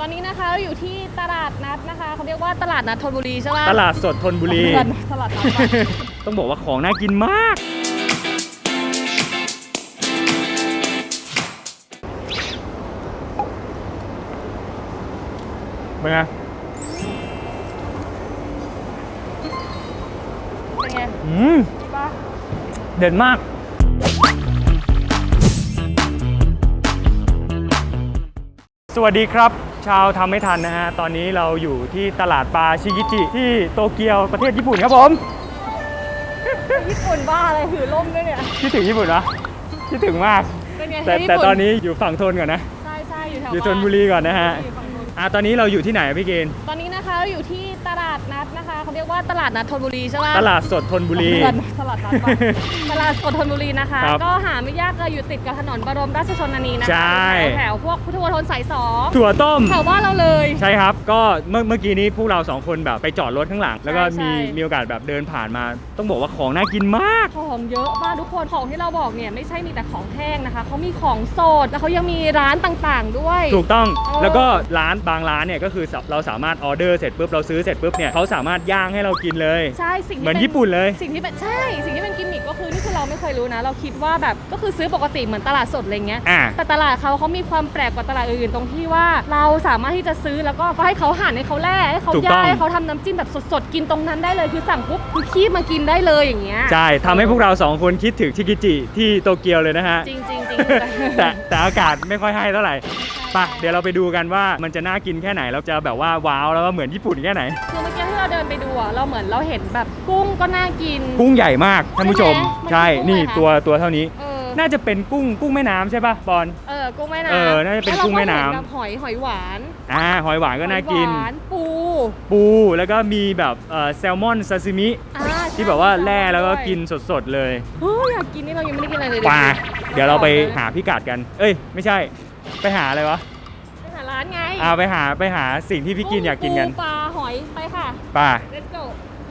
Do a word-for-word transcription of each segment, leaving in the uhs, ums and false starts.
ตอนนี้นะคะเราอยู่ที่ตลาดนัดนะคะเขาเรียกว่าตลาดนัดธนบุรีใช่ไหมตลาดสดธนบุรีตลาดนัดต้องบอกว่าของน่ากินมากเป็นไงเป็นไงอืมดีปะเด่นมากสวัสดีครับชาวทำไม่ทันนะฮะตอนนี้เราอยู่ที่ตลาดปลาชิกิจิที่โตเกียวประเทศญี่ปุ่นครับผมญี่ปุ่นบ้าอะไรถือล่มด้วยเนี่ยคิดถึงญี่ปุ่นเหรอคิดถึงมากแต่แต่ตอนนี้อยู่ฝั่งธนก่อนนะใช่ใช่อยู่แถวอยู่ธนบุรีก่อนนะฮะอ่ะตอนนี้เราอยู่ที่ไหนพี่เกณฑ์ตอนนี้นะคะเราอยู่ที่ตลาดนัดนะคะเขาเรียกว่าตลาดนัดธนบุรีใช่ไหมตลาดสดธนบุรีตลาดนัดตลาดสดธนบุรีนะคะก็หาไม่ยากเลยอยู่ติดกับถนนบรมราชชนนีนะคะแถวพวกพุทธมณฑลสายสองถั่วต้มแถวบ้านเราเลยใช่ครับก็เมื่อเมื่อกี้นี้พวกเราสองคนแบบไปจอดรถข้างหลังแล้วก็มีมีโอกาสแบบเดินผ่านมาต้องบอกว่าของน่ากินมากของเยอะมากทุกคนของที่เราบอกเนี่ยไม่ใช่มีแต่ของแห้งนะคะเขามีของสดแล้วเขายังมีร้านต่างๆด้วยถูกต้องแล้วก็ร้านบางร้านเนี่ยก็คือเราสามารถออเดอร์เสร็จปุ๊บเราซื้อเสร็จปุ๊บเนี่ยเขาสามารถย่างให้เรากินเลยใช่สิ่งเหมือนญี่ปุ่นเลยสิ่งที่เป็นใช่สิ่งที่เป็นกิมมิคก็คือนี่คือเราไม่เคยรู้นะเราคิดว่าแบบก็คือซื้อปกติเหมือนตลาดสดอะไรเงี้ยแต่ตลาดเขาเขามีความแปลกกว่าตลาดอื่นตรงที่ว่าเราสามารถที่จะซื้อแล้วก็ให้เขาหั่นให้เขาแล่ให้เขาย่างให้เขาทำน้ำจิ้มแบบสดๆกินตรงนั้นได้เลยคือสั่งปุ๊บคือคีบมากินได้เลยอย่างเงี้ยใช่ทำให้พวกเราสองคนคิดถึงชิกิจิที่โตเกียวเลยนะฮะจริงจริงจริงแต่แต่อากาศไม่ค่อยให้เท่าไหร่ปะเดี๋ยวเราไปดูกันว่ามันจะน่ากินแค่ไหนเราจะแบบว่าว้าวแล้วก็เหมือนญี่ปุ่นแค่ไหนคือเมื่อกี้ที่เราเดินไปดูอ่ะเราเหมือนเราเห็นแบบกุ้งก็น่ากินกุ้งใหญ่มากท่านผู้ชมใช่นี่ตัวตัวเท่านี้น่าจะเป็นกุ้งกุ้งแม่น้ำใช่ป่ะบอลเออกุ้งแม่น้ำเออน่าจะเป็นกุ้งแม่น้ำหอยหอยหวานอ่าหอยหวานก็น่ากินปูปูแล้วก็มีแบบเอ่อแซลมอนซาซิมิที่แบบว่าแล่แล้วก็กินสดๆเลยเฮ้ยอยากกินนี่เรายังไม่ได้กินอะไรเลยป่าเดี๋ยวเราไปหาพิกัดกันเอ้ยไม่ใช่ไปหาอะไรวะไปหาร้านไงอ่าไปหาไปหาสิ่งที่พี่กินอยากกินกันปลาหอยไปค่ะป่า let's go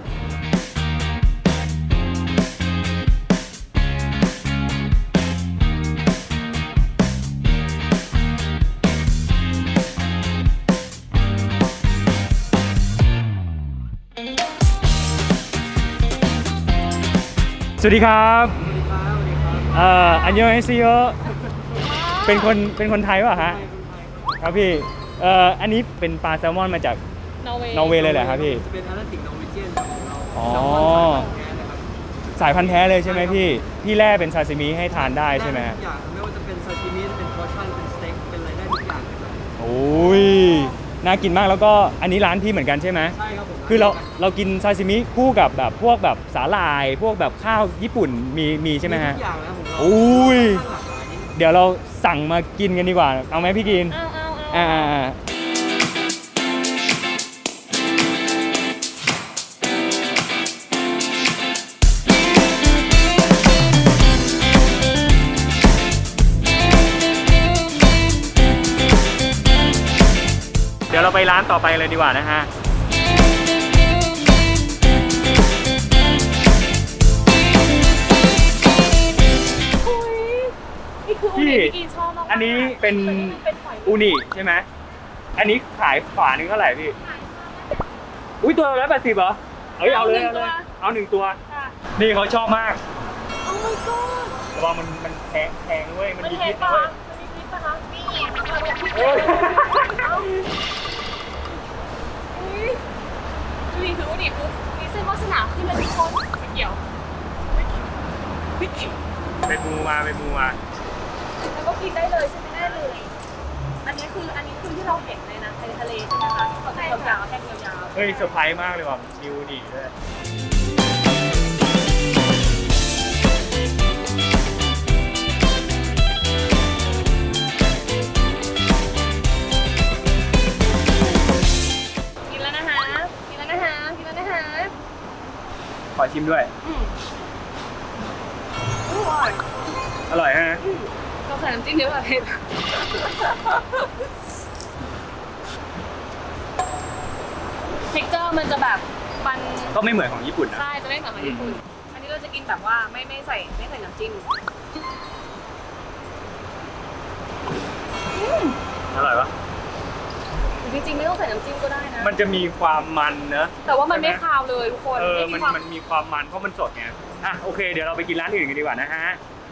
สวัสดีครับเอ่ออันยองเอซิโยเป็นคนเป็นคนไทยป่ะฮะครับพี่เอ่ออันนี้เป็นปลาแซลมอนมาจากนอร์เวย์นอร์เวย์เลยเหรอครับพี่จะเป็นอาราติกนอร์เวเจียนของเราอ๋อสายพันธุ์แท้เลยใช่ไหมพี่พี่แล่เป็นซาซิมิให้ทานได้ใช่ไหมทุกอย่างไม่ว่าจะเป็นซาชิมิเป็นพอร์ชั่นเป็นสเต็กเป็นอะไรได้ทุกอย่างเลยโอ้ยน่ากินมากแล้วก็อันนี้ร้านพี่เหมือนกันใช่ไหมใช่ครับผมคือเราเรากินซาซิมิคู่กับแบบพวกแบบสาหร่ายพวกแบบข้าวญี่ปุ่นมีมีใช่ไหมฮะทุกอย่างนะผมโอ้ยเดี๋ยวเราสั่งมากินกันดีกว่าเอาไหมพี่กินเอาเอาเอาอ่าเดี๋ยวเราไปร้านต่อไปเลยดีกว่านะฮะพี่อันนี้เป็นอูนิใช่ไหมอันนี้ขายฝาหนึ่งเท่าไหร่พี่อุ้ยตัวละร้อยแปดสิบเหรอเอ้ยเอาเลยเอาเลยเอาหนึ่งตัวนี่เขาชอบมากโอ้ my god แต่ว่ามันมันแพงแพงด้วยมันมีพิษด้วยมันมีพิษปะคะนี่ดูดิคืออูนิปุ๊บมีเส้นวาสนาขึ้นเลยทุกคนไม่เกี่ยวไม่เกี่ยวไปมูมาไปมูมาแล้วก็กินได้เลยใช่ไหมได้เลยอันนี้คืออันนี้คือที่เราเห็นเลยนะในทะเลใช่ไหมคะเขาจะยาวๆแท่งยาวๆเฮ้ยเซอร์ไพรส์มากเลยว่ะนิวดีด้วยกินแล้วนะคะกินแล้วนะคะกินแล้วนะคะขอชิมด้วยอร่อยอร่อยฮะเราใส่น้ำจิ้มเยอะกว่าเผ็ดเท็กเจอร์มันจะแบบมันก็ไม่เหมือนของญี่ปุ่นนะใช่จะไม่เหมือนของญี่ปุ่นอันนี้เราจะกินแบบว่าไม่ไม่ใส่ไม่ใส่น้ำจิ้มอร่อยปะจริงๆไม่ต้องใส่น้ำจิ้มก็ได้นะมันจะมีความมันเนอะแต่ว่ามันไม่คาวเลยทุกคนเออมันความันมีความมันเพราะมันสดไงอ่ะโอเคเดี๋ยวเราไปกินร้านอื่นกันดีกว่านะฮะ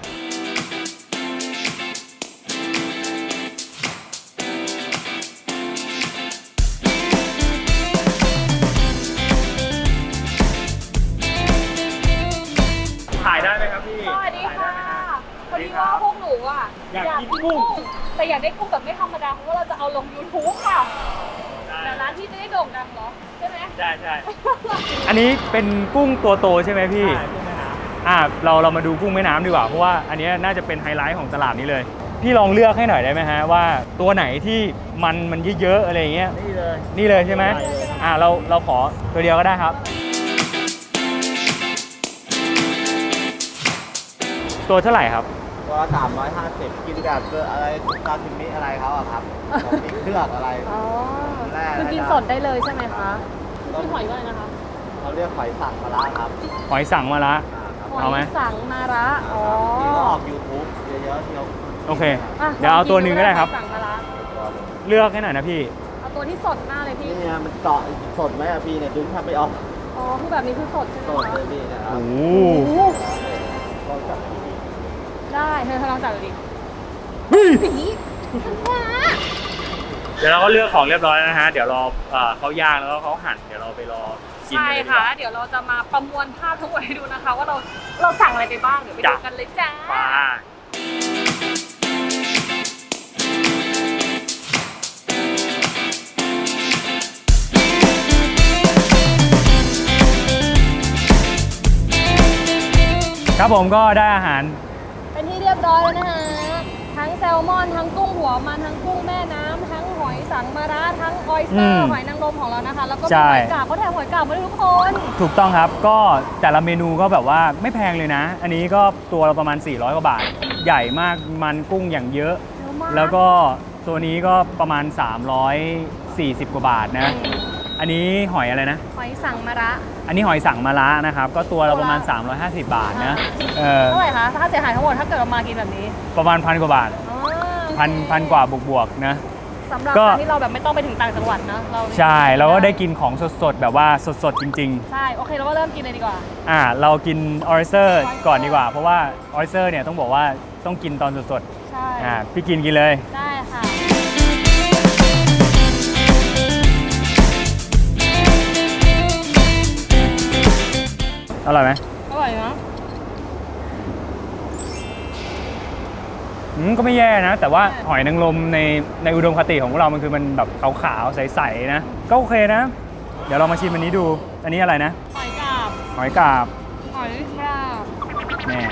ถ่ายได้ไหมครับพี่สวัสดีถ่ายได้ค่ะไหมฮะพอดีว่าพวกหนูอ่ะอยากกินกุ้งแต่อยากได้กุ้งแบบไม่ธรรมดาเพราะว่าเราจะเอาลง YouTube ค่ะแต่ร้านที่จะได้โด่งดังเหรอใช่ไหมใช่ใช่อันนี้เป็นกุ้งตัวโตใช่ไหมพี่ใช่กุ้งแม่น้ำอ่ะเราเรามาดูกุ้งแม่น้ำดีกว่าเพราะว่าอันนี้น่าจะเป็นไฮไลท์ของตลาดนี้เลย พี่ลองเลือกให้หน่อยได้ไหมฮะว่าตัวไหนที่มันมันเยอะๆอะไรอย่างเงี้ยนี่เลยนี่เลยใช่ไหมอ่ะเราเราขอตัวเดียวก็ได้ครับ ตัวเท่าไหร่ครับตัวสามร้อยห้าสิบกินแบบเกลืออะไรซาซิมิอะไรเขาอะครับผมมีเครื่องอะไรอ๋อแร่คือกินสดได้เลยใช่ไหมคะพี่หอยว่าไงนะคะเขาเรียกหอยสังมาละครับหอยสั่งมาละอ่าครับเอาไหมหอยสังมาระอ๋อที่เขาออก YouTube เยอะๆที่เขาโอเคอ่ะเดี๋ยวเอาตัวหนึ่งก็ได้ครับหอยสังมาระเลือกให้หน่อยนะพี่เอาตัวที่สดมากเลยพี่นี่ไงมันเกาะสดไหมอะพี่เนี่ยดึงแทบไม่ออกอ๋อคือแบบนี้คือสดใช่ไหมสดคะเลยพี่นะครับโอ้โอ้โหโหลองจับดีได้เธอลองจับดูดิเฮ้ยสีฉันว่าเดี๋ยวเราก็เลือกของเรียบร้อยแล้วนะฮะ เดี๋ยวรอเอ่อเขาย่างแล้วก็เขาหั่น เดี๋ยวเราไปรอกินใช่กันเลยดีกค่ะว่าเดี๋ยวเราจะมาประมวลภาพทั้งหมดให้ดูนะคะ ว่าเราเราสั่งอะไรไปบ้าง เดี๋ยวไปดูกันเลยจ้าปลาครับผมก็ได้อาหารเป็นที่เรียบร้อยแล้วนะคะทั้งแซลมอน ทั้งกุ้งหัวมัน ทั้งกุ้งแม่น้ำทั้งหอยสังมาระทั้งออยสเตออืร์มหอยนางรมของเรานะคะ แล้วก็ใช่มีหอยกาบเขาแถมหอยกาบมาด้วยทุกคนถูกต้องครับ ก็แต่ละเมนูก็แบบว่าไม่แพงเลยนะ อันนี้ก็ตัวเราประมาณสี่ร้อยกว่าบาท ใหญ่มาก มันกุ้งอย่างเยอะเยอะมากแล้วก็ตัวนี้ก็ประมาณสามร้อยสี่สิบกว่าบาทนะ อันนี้หอยอะไรนะหอยสังมาระอันนี้หอยสังมะระนะครับ ก็ตัวเราประมาณ สามร้อยห้าสิบ บาทนะเออเท่าไหร่คะค่าเสียหายทั้งหมดถ้าเกิดเรามากินแบบนี้ประมาณพันกว่าบาทอ๋อพันพันกว่าบวกๆนะสำหรับก็การที่เราแบบไม่ต้องไปถึงต่างจังหวัดนะเราใช่เราก็ได้กินของสดๆ แบบว่าสดๆ จริงใช่ โอเคเราก็เริ่มกินเลยดีกว่าๆ อ่าเรากินออริสเตอร์ก่อนดีกว่า เพราะว่าออริสเตอร์เนี่ยต้องบอกว่าต้องกินตอนสดใช่ๆอ่าพี่กินกินเลยได้ค่ะอร่อยไหมอร่อยเนาะอืมก็ไม่แย่นะ แต่ว่าหอยนางรมในในอุดมคติของพวกเรามันคือมันแบบขาวๆใสๆนะก็โอเคนะ เดี๋ยวเรามาชิมอันนี้ดู อันนี้อะไรนะหอยกาบหอยกาบหอยกาบแม่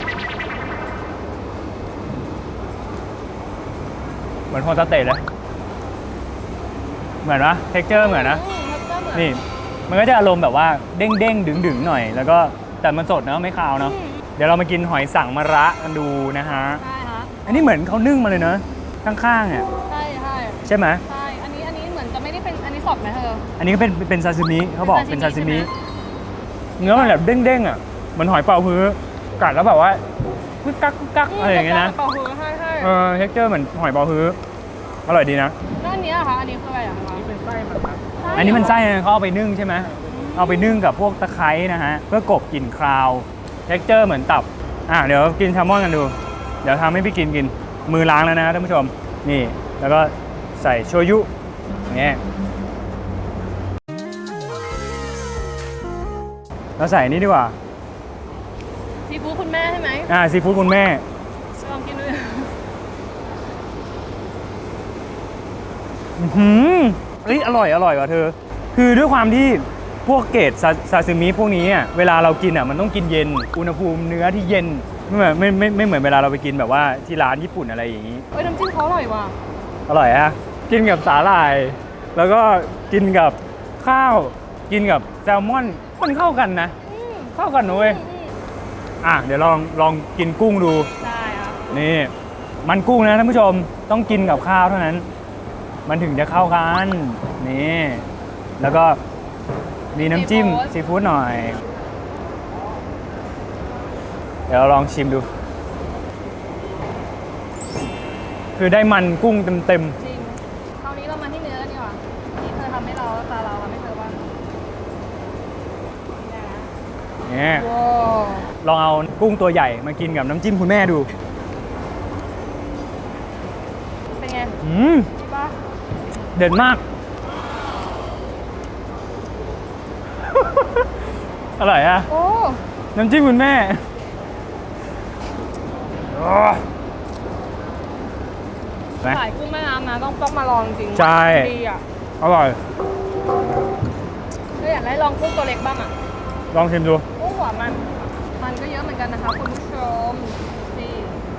เหมือนโฮตาเตะเลย เหมือนปะเท็กเจอร์เหมือนนะอืมแล้วก็เหมือนนี่ มันก็จะอารมณ์แบบว่าเด้งเด้งดึงดึงๆหน่อย แล้วก็แต่มันสดเนอะไม่คาวเนาะอืมเดี๋ยวเรามากินหอยสังมะระกันดูนะฮะใช่ค่ะอันนี้เหมือนเขานึ่งมาเลยเนอะข้างๆเนี่ยใช่ใช่ใช่ไหมใช่ อันนี้อันนี้เหมือนจะไม่ได้เป็นอันนี้สดไหมเธออันนี้ก็เป็นเป็นซาซิมิเขาบอกเป็เป็นนซาซาซิซิมิมิเนื้อมันแบบเด้งๆอ่ะเหมือนหอยเป๋าฮื้อกัดแล้วแบบว่ากุ๊กกักกุ๊กกักอะไรอย่างเงี้ยนะเปาฮือใช่ใช่เออเท็กเจอร์เหมือนหอยเป๋าฮื้ออร่อยดีนะแล้วอันนี้อะคะอันนี้คืออะไรอะคะๆเป็นไส้มันครับอันนี้มันไส้นะเขาเอาไปนึ่งใช่ไหมเอาไปนึ่งกับพวกตะไคร้นะฮะเพื่อกลบกลิ่นคราวเท็กเจอร์เหมือนตับอ่ะเดี๋ยวกินแซลมอนกันดู เดี๋ยวทำให้พี่กินกินมือล้างแล้วนะท่านผู้ชมนี่แล้วก็ใส่โชยุอย่างเงี้ยเราใส่นี่ดีกว่าซีฟู้ดคุณแม่ใช่ไหมอ่าซีฟู้ดคุณแม่ลองกินดูอื้อหืมเอ้ยอร่อยอร่อยว่ะเธอ คือด้วยความที่พวกเกรดซาซาซิมิพวกนี้อ่ะเวลาเรากินอ่ะมันต้องกินเย็นอุณหภูมิเนื้อที่เย็นไม่เหมือนไม่ไม่ไม่เหมือนเวลาเราไปกินแบบว่าที่ร้านญี่ปุ่นอะไรอย่างนี้เอ้ยน้ำจิ้มเขาอร่อยว่ะอร่อยฮะกินกับสาหร่าย แล้วก็กินกับข้าว กินกับแซลมอนมันเข้ากันนะอืมเข้ากันนะเว้ยอืมอืมอ่ะเดี๋ยวลองลองกินกุ้งดูได้ครับนี่ มันกุ้งนะท่านผู้ชมต้องกินกับข้าวเท่านั้น มันถึงจะเข้ากันนี่แล้วก็มีน้ำจิ้มซีฟู้ดหน่อย เดี๋ยวเราลองชิมดู คือได้มันกุ้งเต็มจริงคราวนี้เรามาที่เนื้อกันดีกว่าๆำให้เราตาเราทำให้เธอบ้างเนี่ยว้าวลองเอากุ้งตัวใหญ่มากินกับน้ำจิ้มคุณแม่ดูเป็นไงอืมดีป่ะเด่นมาก อร่อยอะโอ้น้ำจิ้มคุณแม่โอ้ไหมขายกุ้งแม่น้ำนะต้องต้องมาลองจริงใช่ดีอ่ะอร่อยถ้าอยากได้ลองกุ้งตัวเล็กบ้างอ่ะลองชิมดูกุ้งหัวมัน มันก็เยอะเหมือนกันนะคะคุณผู้ชมนี่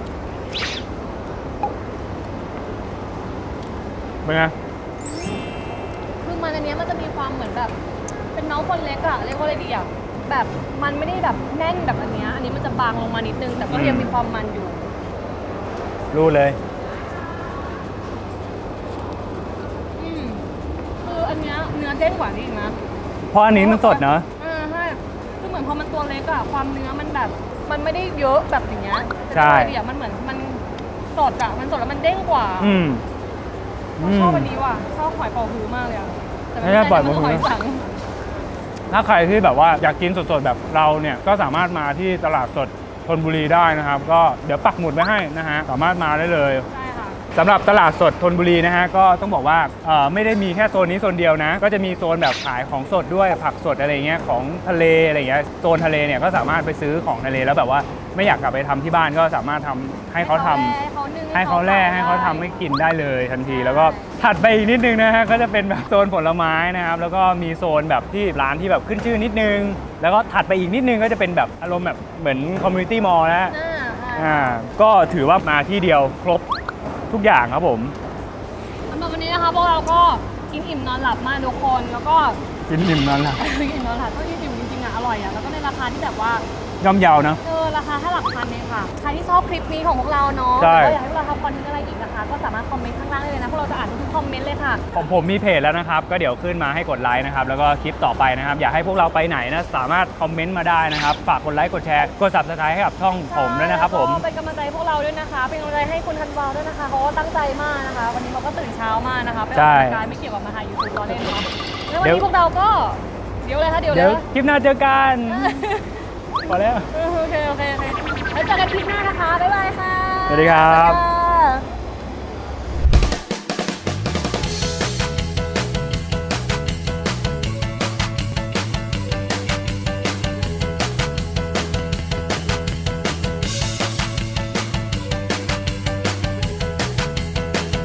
เป็นไงคือมันอันเนี้ยมันจะมีความเหมือนแบบ เป็นน้องคนเล็กอะเรียกว่าอะไรดีอะแบบมันไม่ได้แบบแน่นแบบอันเนี้ยอันนี้มันจะบางลงมานิดนึง แต่ก็ยังมีความมันอยู่รู้เลยอืมคืออันเนี้ยเนื้อเด้งกว่านี้อีกนะเพราะอันนี้มันสดเนอะอ่าใช่คือเหมือนพอมันตัวเล็กอะความเนื้อมันแบบ มันไม่ได้เยอะแบบอย่างเงี้ยใช่แต่ตัวเดียวมันเหมือนมันสดอะมันสดแล้วมันเด้งกว่าอืมเราชอบอันนี้ว่ะชอบหอยเป๋าฮื้อมากเลยอะแต่ไม่ใช่ปล่อยมันเป๋าฮื้หออยสังถ้าใครที่แบบว่าอยากกินสดๆแบบเราเนี่ยก็สามารถมาที่ตลาดสดธนบุรีได้นะครับ ก็เดี๋ยวปักหมุดไว้ให้นะฮะสามารถมาได้เลยใช่ค่ะสำหรับตลาดสดธนบุรีนะฮะก็ต้องบอกว่าเอ่อไม่ได้มีแค่โซนนี้โซนเดียวนะ ก็จะมีโซนแบบขายของสดด้วยผักสดอะไรเงี้ยของทะเลอะไรเงี้ยโซนทะเลเนี่ยก็สามารถไปซื้อของทะเลแล้วแบบว่าไม่อยากกลับไปทำที่บ้านก็สามารถทำให้เขาทำให้เขานึ่งให้เขาแล่ให้เขาทำให้กินได้เลยทันที แล้วก็ถัดไปอีกนิดนึงนะฮะก็จะเป็นแบบโซนผลไม้นะครับแล้วก็มีโซนแบบที่ร้านที่แบบขึ้นชื่อนิดนึง แล้วก็ถัดไปอีกนิดนึงก็จะเป็นแบบอารมณ์แบบเหมือนคอมมูนิตี้มอลล์นะอ่าใช่อ่าก็ถือว่ามาที่เดียวครบทุกอย่างครับผมสำหรับวันนี้นะคะพวกเราก็กินอิ่มนอนหลับมากทุกคนแล้วก็กินอิ่มนอนหลับกินอิ่มนอนหลับก็กินอิ่มจริงๆอ่ะอร่อยอ่ะแล้วก็ในราคาที่แบบว่าย่อมเยานะเออราคาแค่หลักพันเองค่ะใครที่ชอบคลิปนี้ของพวกเราเนาะใช่หรือว่าอยากให้พวกเราทำคอนเทนต์อะไรอีกนะคะ ก็สามารถคอมเมนต์ข้างล่างได้เลยนะพวกเราจะอ่านทุกๆคอมเมนต์เลยค่ะของผมมีเพจแล้วนะครับ ก็เดี๋ยวขึ้นมาให้กดไลค์นะครับ แล้วก็คลิปต่อไปนะครับ อยากให้พวกเราไปไหนนะสามารถคอมเมนต์มาได้นะครับ ฝากกดไลค์กดแชร์กด ซับสไครบ์ ให้กับช่องผมด้วยนะครับผมแล้วก็เป็นกำลังใจให้พวกเราด้วยนะคะเป็นกำลังใจให้คุณธันวาด้วยนะคะเขาก็ตั้งใจมากนะคะ วันนี้เขาก็ตื่นเช้ามากนะคะไปออกกำลังกายไม่เกี่ยวกับมาถ่ายยูทูบล้อเล่นเนาะแล้ววันเดี๋ยวนี้พวกเราก็เดี๋ยวเลยค่ะเดี๋ยวเลเดี๋ยวยนะคลิปหน้าเจอกันพอแล้วโอเคโอเคโอเคแล้วเจอกันคลิปหน้านะคะ บ๊ายบายค่ะสวัสดีครับบ๊ายบาย